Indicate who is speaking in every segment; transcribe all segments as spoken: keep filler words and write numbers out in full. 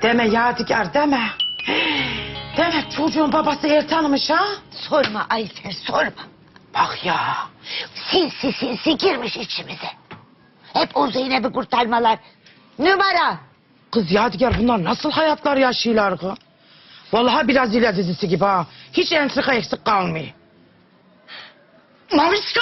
Speaker 1: Deme Yadigar deme. Demek çocuğun babası Ertan'mış ha?
Speaker 2: Sorma Ayfer sorma.
Speaker 1: Bak ya.
Speaker 2: Sinsi sinsi girmiş içimize. Hep o Zeynep'i kurtarmalar. Numara.
Speaker 1: Kız Yadigar bunlar nasıl hayatlar yaşıyorlar ki? Vallahi biraz İla dizisi gibi ha. Hiç entrika eksik kalmıyor. Mamişko!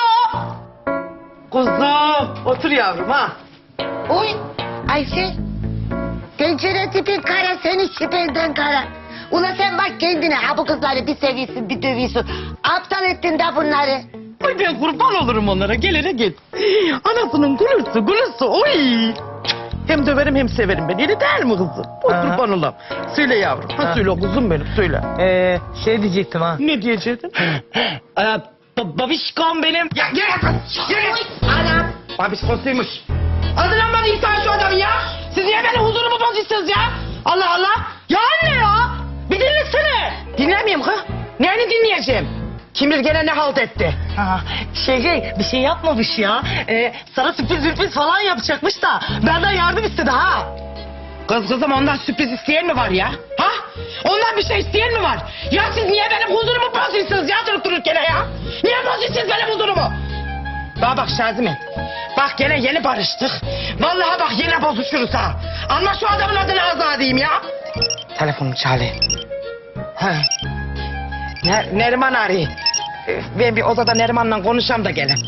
Speaker 1: Kuzum otur yavrum ha.
Speaker 2: Oy Ayfer. Tencere tipin kara senin şüphenden kara. Ula sen bak kendine ha bu kızları bir seviyorsun bir dövüyorsun. Aptal ettin de bunları.
Speaker 1: Ay ben kurban olurum onlara gelene git. Anasının gülürsü gülürsü oy. Hem döverim hem severim ben. Öyle değil mi kızım? O
Speaker 3: Aha.
Speaker 1: kurban olam. Söyle yavrum. Ha. Söyle kuzum benim söyle.
Speaker 3: Ee, şey diyecektim ha.
Speaker 1: Ne diyecektin?
Speaker 3: Ee, ba- babişkom benim.
Speaker 1: Ya gel kız. Gel.
Speaker 2: Anam.
Speaker 1: Babiskosuymuş. Hadi lan bana insan şu adamı ya. Siz niye benim huzurumu bozuyorsunuz ya? Allah Allah. Ya anne ya. Bir dinlesene. Dinlemeyeyim kız. Neyini dinleyeceğim? Kim bilir gene ne halt etti?
Speaker 3: Ha, şey şey bir şey yapmamış ya. Ee, sana sürpriz sürpriz falan yapacakmış da benden yardım istedi ha.
Speaker 1: Kız kızım ondan sürpriz isteyen mi var ya? Ha? Ondan bir şey isteyen mi var? Ya siz niye benim huzurumu bozuyorsunuz ya durup dururken ya? Niye bozuyorsunuz benim huzurumu? Bana bak Şazime. Bak gene yeni barıştık. Vallahi bak yine bozuşuruz ha. Anla şu adamın adını ağzına diyeyim ya. Telefonum çalıyor. Ha. Ne, Neriman arıyor. Ee, Ben bir odada Neriman'la konuşacağım da gelin.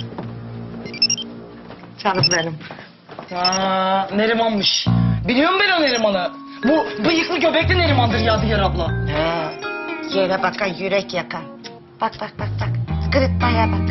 Speaker 1: Canım benim.
Speaker 3: Aa, Neriman'mış. Biliyorum ben o Neriman'ı. Bu bıyıklı göbekli Neriman'dır Yadigar abla.
Speaker 2: He. Yere bakan yürek yakan. Bak bak bak bak. Kırıtmaya bak.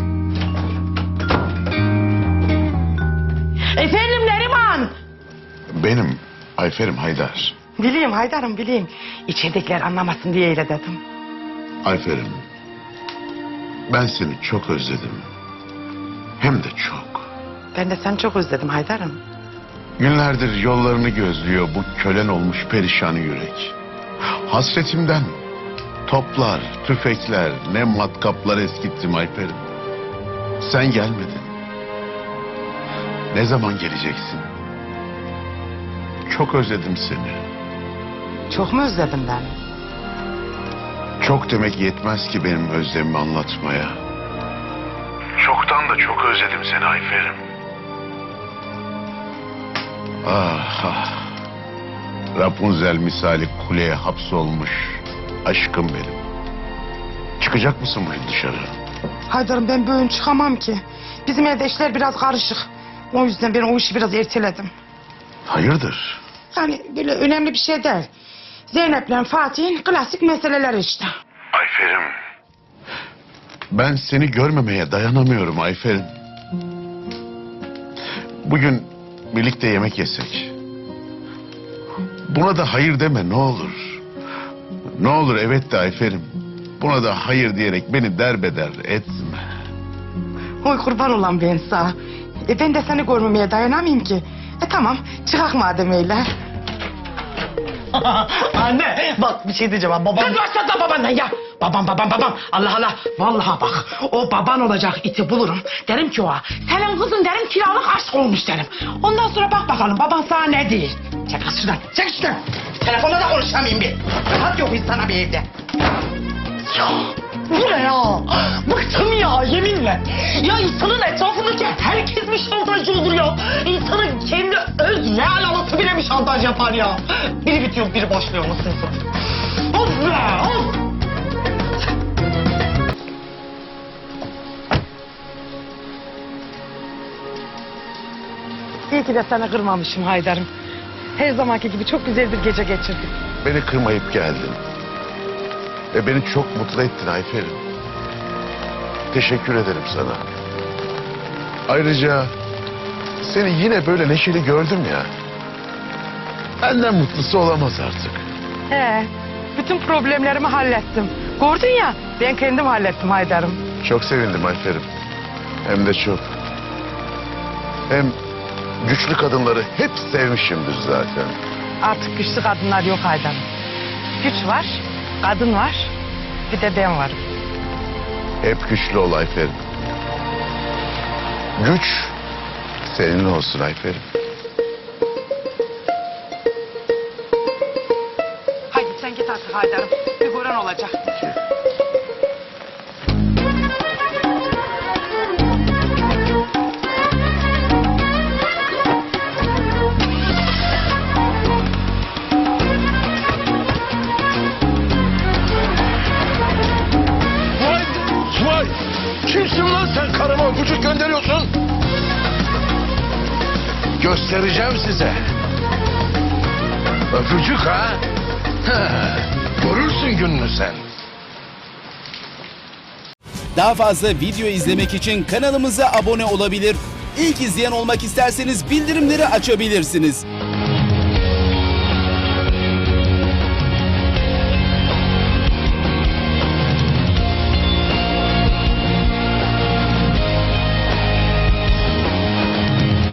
Speaker 1: Efendim Neriman.
Speaker 4: Benim Ayfer'im Haydar.
Speaker 1: Bileyim Haydar'ım bileyim. İçeridekiler anlamasın diye öyle dedim.
Speaker 4: Ayfer'im, ben seni çok özledim. Hem de çok.
Speaker 1: Ben de seni çok özledim Haydar'ım.
Speaker 4: Günlerdir yollarını gözlüyor bu kölen olmuş perişan yürek. Hasretimden toplar, tüfekler, ne matkaplar eskittim Ayfer'im. Sen gelmedin. Ne zaman geleceksin? Çok özledim seni.
Speaker 1: Çok mu özledim ben?
Speaker 4: Çok demek yetmez ki benim özlemimi anlatmaya. Çoktan da çok özledim seni Ayfer'im. Ah ah. Rapunzel misali kuleye hapsolmuş aşkım benim. Çıkacak mısın bugün dışarı?
Speaker 1: Haydar'ım ben bugün çıkamam ki. Bizim evde işler biraz karışık. O yüzden ben o işi biraz erteledim.
Speaker 4: Hayırdır?
Speaker 1: Yani böyle önemli bir şey değil. Zeynep'le Fatih'in klasik meseleleri işte.
Speaker 4: Ayfer'im. Ben seni görmemeye dayanamıyorum Ayfer'im. Bugün birlikte yemek yesek. Buna da hayır deme ne olur. Ne olur evet de Ayfer'im. Buna da hayır diyerek beni derbeder etme.
Speaker 1: Oy kurban olan ben sana. E ben de seni görmemeye dayanamayayım ki. E tamam çıkak madem öyle.
Speaker 3: Anne bak bir şey diyeceğim ha babam.
Speaker 1: Kız başlatma babandan ya. Babam babam babam. Allah Allah. Vallahi bak o baban olacak iti bulurum. Derim ki o senin kızın derim kiralık aşk olmuş derim. Ondan sonra bak bakalım baban sana ne değil. Çek kız şuradan. Çek şuradan. Telefonda da konuşamayayım bir. Rahat yok insana bir evde.
Speaker 3: Ya bu ne ya? Bıktım ya yeminle. Ya insanın etrafındaki herkes mi şantajcı olur ya? İnsanın kendi öz real anası bile mi şantaj yapar ya? Biri bitiyor biri başlıyor nasıl insan? Of be of!
Speaker 1: İyi ki de seni kırmamışım Haydar'ım. Her zamanki gibi çok güzel bir gece geçirdik.
Speaker 4: Beni kırmayıp geldin. Ve beni çok mutlu ettin Ayfer'im. Teşekkür ederim sana. Ayrıca seni yine böyle neşeli gördüm ya. Benden mutlusu olamaz artık.
Speaker 1: He, bütün problemlerimi hallettim. Gördün ya, ben kendim hallettim Haydar'ım.
Speaker 4: Çok sevindim Ayfer'im. Hem de çok. Hem güçlü kadınları hep sevmişimdir zaten.
Speaker 1: Artık güçlü kadınlar yok Haydar'ım. Güç var, kadın var, bir de ben varım.
Speaker 4: Hep güçlü ol Ayfer'im. Güç seninle olsun Ayfer'im.
Speaker 1: sen git artık Haydar'ım. Bir gören olacak.
Speaker 5: Vay! Vay! Kimsin lan sen karıma öpücük gönderiyorsun? Göstereceğim size. Öpücük ha? Heh, görürsün gününü sen.
Speaker 6: Daha fazla video izlemek için kanalımıza abone olabilir. İlk izleyen olmak isterseniz bildirimleri açabilirsiniz.